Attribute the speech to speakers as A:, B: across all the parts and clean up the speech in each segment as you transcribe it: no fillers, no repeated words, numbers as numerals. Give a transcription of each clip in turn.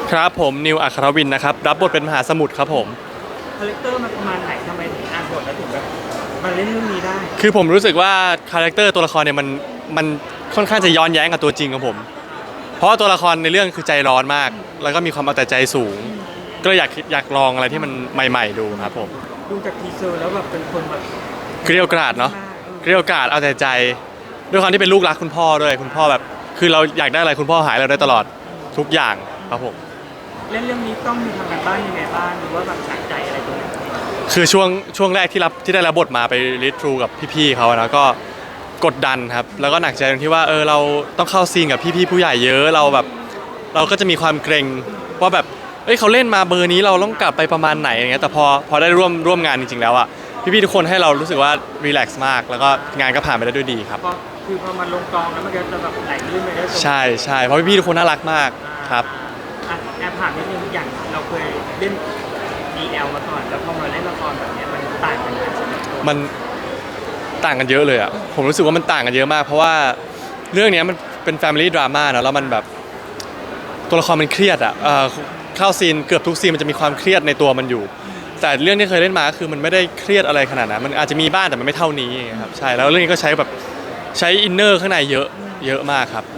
A: ครับผมนิวอัครวินนะครับรับบทเป็นมหาสมุทรครับผม
B: คาแรคเตอร์มันประมาณไหนทำไมถึงอ่านบทแล้วถึงแบบมาเล่นเรื่องนี้ได้
A: คือผมรู้สึกว่าคาแรคเตอร์ตัวละครเนี่ยมันค่อนข้างจะย้อนแย้งกับตัวจริงของผมเพราะว่าตัวละครในเรื่องคือใจร้อนมากแล้วก็มีความเอาแต่ใจสูงก็เลยอยากลองอะไรที่มันใหม่ๆดูครับผม
B: ดูจากทีเซอร์แล้วแบบเป็นคนแบบ
A: เกรียวกราดเนาะเกรียวกราดเอาแต่ใจด้วยความที่เป็นลูกรักคุณพ่อด้วยคุณพ่อแบบคือเราอยากได้อะไรคุณพ่อหายเราได้ตลอดทุกอย่างครับผม
B: เล่นเรื่องนี้ต้องมีทำกันบ้านยังไงบ้างหรือว่าแบบสนใจอะไรตรงนี้
A: คือช่วงแรกที่ได้รับบทมาไปรีดทรูกับพี่ๆเขานะก็กดดันครับแล้วก็หนักใจตรงที่ว่าเราต้องเข้าซีนกับพี่ๆผู้ใหญ่เยอะเราแบบเราก็จะมีความเกรงว่าแบบเขาเล่นมาเบอร์นี้เราต้องกลับไปประมาณไหนอย่างเงี้ยแต่พอได้ร่วมงานจริงๆแล้วอ่ะพี่ๆทุกคนให้เรารู้สึกว่ารีแลกซ์มากแล้วก็งานก็ผ่านไปได้ด้วยดีครับ
B: คือพอมันลงกองแล้วมันก็จะแบบไหลลื่นไปได้
A: ใช่เพราะพี่ๆทุกคนน่ารักมากครับ
B: แอบถามนิดนึงอย่างเราเคยเล่น DL มาก่อนแล้วพอมาเล่นละครแบบนี้มันต่างกันไหม
A: มันต่างกันเยอะเลยอ่ะผมรู้สึกว่ามันต่างกันเยอะมากเพราะว่าเรื่องนี้มันเป็น Family Drama นะแล้วมันแบบตัวละครมันเครียดอ่ะเข้าซีนเกือบทุกซีนมันจะมีความเครียดในตัวมันอยู่แต่เรื่องที่เคยเล่นมาคือมันไม่ได้เครียดอะไรขนาดนั้นมันอาจจะมีบ้างแต่มันไม่เท่านี้ครับใช่แล้วเรื่องนี้ก็ใช้อินเนอร์ข้างในเยอะมากครับ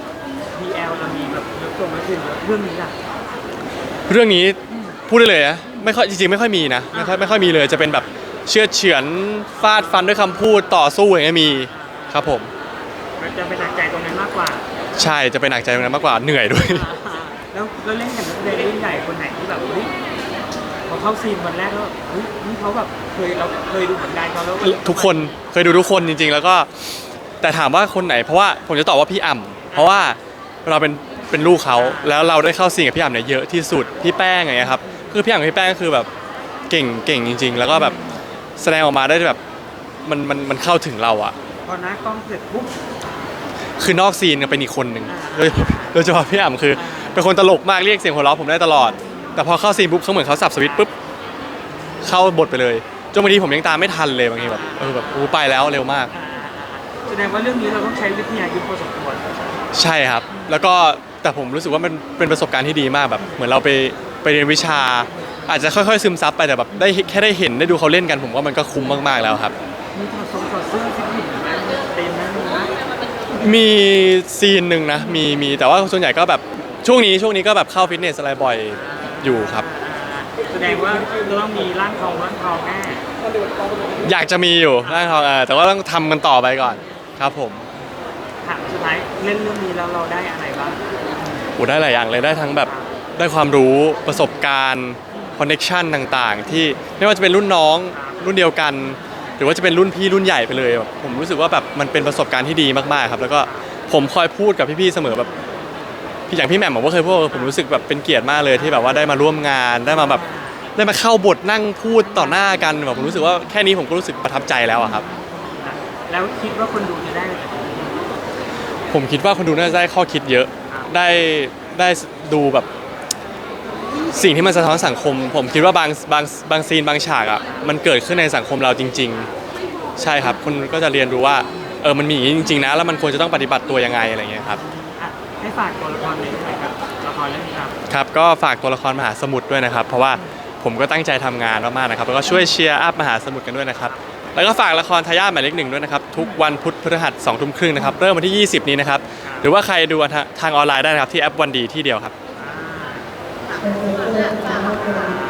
B: DL เรามีแบบเรื่องมาถึงเรื่องนี้ล่ะ
A: เรื่องนี้พูดได้เลยนะไม่ค่อยจริงๆไม่ค่อยมีนะไม่ค่อยมีเลยจะเป็นแบบเชื่อเฉือนฟาดฟันด้วยคำพูดต่อสู้อย่างเงี้ยมีครับผม
B: มันจะเป็นหนักใจตรงนั้นมากกว่า
A: ใช่จะเป็นหนักใจตรงนั้นมากกว่าเหนื่อยด้วย
B: แล้วเล่นกับนักแสดงรุ่นใหญ่คนไหนที่แบบพอเข้าซีนวันแรกแล้วนี่เขาแบบเราเคยดูผลงานเขาแล้ว
A: ทุกคนเคยดูทุกคนจริงๆแล้วก็แต่ถามว่าคนไหนเพราะว่าผมจะตอบว่าพี่อ่ำเพราะว่าเราเป็นลูกเขาแล้วเราได้เข้าซีนกับพี่อ่ำเนี่ยเยอะที่สุดพี่แป้งอย่างเงี้ยครับคือพี่อ่ำกับพี่แป้งก็คือแบบเก่งจริงๆแล้วก็แบบแสดงออกมาได้แบบมันเข้าถึงเราอะ
B: พอหน้ากล้องเสร็จปุ๊บ
A: คือนอกซีนเป็นอีกคนหนึ่งโดยเฉพาะพี่อ่ำคือเป็นคนตลกมากเรียกเสียงหัวเราะผมได้ตลอดแต่พอเข้าซีนปุ๊บเขาเหมือนเขาสับสวิตช์ปุ๊บเข้าบทไปเลยจนบางทีผมยังตามไม่ทันเลยบางทีแบบแบบไปแล้วเร็วมาก
B: แสดงว่าเรื่องนี้เราต้องใช้วิทยายุทธพอสมควร
A: ใช่ครับแล้วก็แต่ผมรู้สึกว่ามันเป็นประสบการณ์ที่ดีมากแบบเหมือนเราไปเรียนวิชาอาจจะค่อยๆซึมซับไปแต่แบบแค่ได้เห็นได้ดูเขาเล่นกันผมว่ามันก็คุ้มมากๆแล้วครับ
B: มีถอดเสื้อฟิตหุ่นไหมเต็มนะ
A: มีซีนหนึ่งนะมีแต่ว่าส่วนใหญ่ก็แบบช่วงนี้ก็แบบเข้าฟิตเนสอะไรบ่อยอยู่ครับ
B: แสดงว่าต้องมีร่างทองแน่
A: อยากจะมีอยู่ร่างทองแต่ว่าต้องทำกันต่อไปก่อนครับผม
B: ถามสุดท้ายเล่นเรื่องนี้แล้วเราได้อะไรบ้าง
A: ได้หลายอย่างเลยได้ทั้งแบบได้ความรู้ประสบการณ์คอนเนคชั่นต่างๆที่ไม่ว่าจะเป็นรุ่นน้องรุ่นเดียวกันหรือว่าจะเป็นรุ่นพี่รุ่นใหญ่ไปเลยแบบผมรู้สึกว่าแบบมันเป็นประสบการณ์ที่ดีมากๆครับแล้วก็ผมคอยพูดกับพี่ๆเสมอแบบอย่างพี่แหม่มผมก็เคยพูดผมรู้สึกแบบเป็นเกียรติมากเลยที่แบบว่าได้มาร่วมงานได้มาเข้าบทนั่งพูดต่อหน้ากันแบบผมรู้สึกว่าแค่นี้ผมก็รู้สึกประทับใจแล้วครับ
B: แล้วคิดว่าคนดูจะได้
A: ผมคิดว่าคนดูน่าจะได้ข้อคิดเยอะได้ดูแบบสิ่งที่มันสะท้อนสังคมผมคิดว่าบางซีนบางฉากอ่ะมันเกิดขึ้นในสังคมเราจริงๆใช่ครับคุณก็จะเรียนรู้ว่ามันมีอย่างนี้จริงๆนะแล้วมันควรจะต้องปฏิบัติตัวยังไงอะไรเงี้ยครับ
B: ให้ฝากตัวละครนี้หน่อยครับละครเรื่องนี้
A: ครับก็ฝากตัวละครมหาสมุทรด้วยนะครับเพราะว่าผมก็ตั้งใจทำงานมากๆนะครับแล้วก็ช่วยเชียร์อัพมหาสมุทรกันด้วยนะครับแล้วก็ฝากละครทายาทหมายเลข 1ด้วยนะครับทุกวันพุธพฤหัส 20:30 นะครับเริ่มวันที่20นี้นะครับหรือว่าใครดูทางออนไลน์ได้นะครับที่แอปวันดีที่เดียวครับ